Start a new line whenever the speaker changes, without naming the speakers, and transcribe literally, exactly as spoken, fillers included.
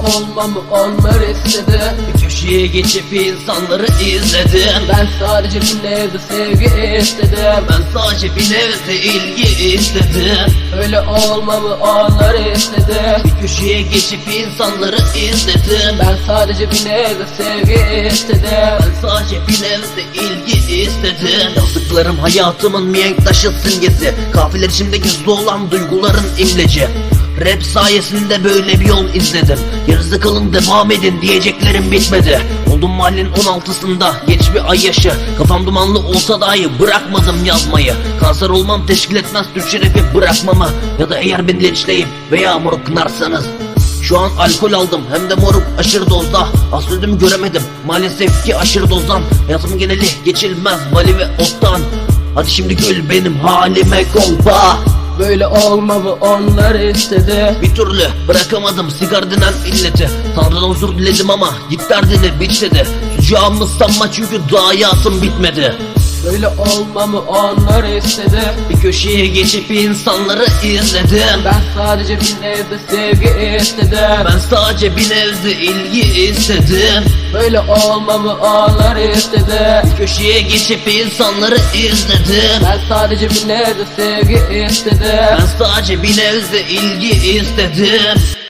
olmamı onlar istedi.
Bir köşeye geçip insanları izledim.
Ben sadece bir nevde sevgi istedim.
Ben sadece bir nevde ilgi istedim.
Öyle olmamı onlar istedi.
Bir köşeye geçip insanları izledim.
Ben sadece bir nevde sevgi istedim.
Ben sadece bir nevde ilgi istedim. Yazdıklarım hayatımın mihenk taşı simgesi. Kafiler içimde gizli olan duyguların imleci. Rap sayesinde böyle bir yol izledim. Yarısı kalın devam edin diyeceklerim bitmedi. Oldum mahallenin on altısında genç bir ay yaşı. Kafam dumanlı olsa dahi bırakmadım yazmayı. Kanser olmam teşkil etmez Türkçe rapi bırakmamı. Ya da eğer beni linçleyip veya moruk kınarsanız. Şu an alkol aldım hem de moruk aşırı dozda. Asıl ödümü göremedim maalesef ki aşırı dozdan. Hayatımın geneli geçilmez vali ve ottan. Hadi şimdi gül benim halime kolpa.
Böyle olmamı onlar istedi.
Bir türlü bırakamadım sigara denen illeti. Tanrı'dan huzur diledim ama git derdini biç dedi. Sucağımı sanma çünkü daha hayatım bitmedi.
Böyle olmamı onlar istedi.
Bir köşeye geçip insanları izledim.
Ben sadece bir nevde sevgi istedim.
Ben sadece bir nevde ilgi istedim.
Böyle olmamı onlar istedi.
Bir köşeye geçip insanları izledim.
Ben sadece bir nevde sevgi istedim.
Ben sadece bir nevde ilgi istedim.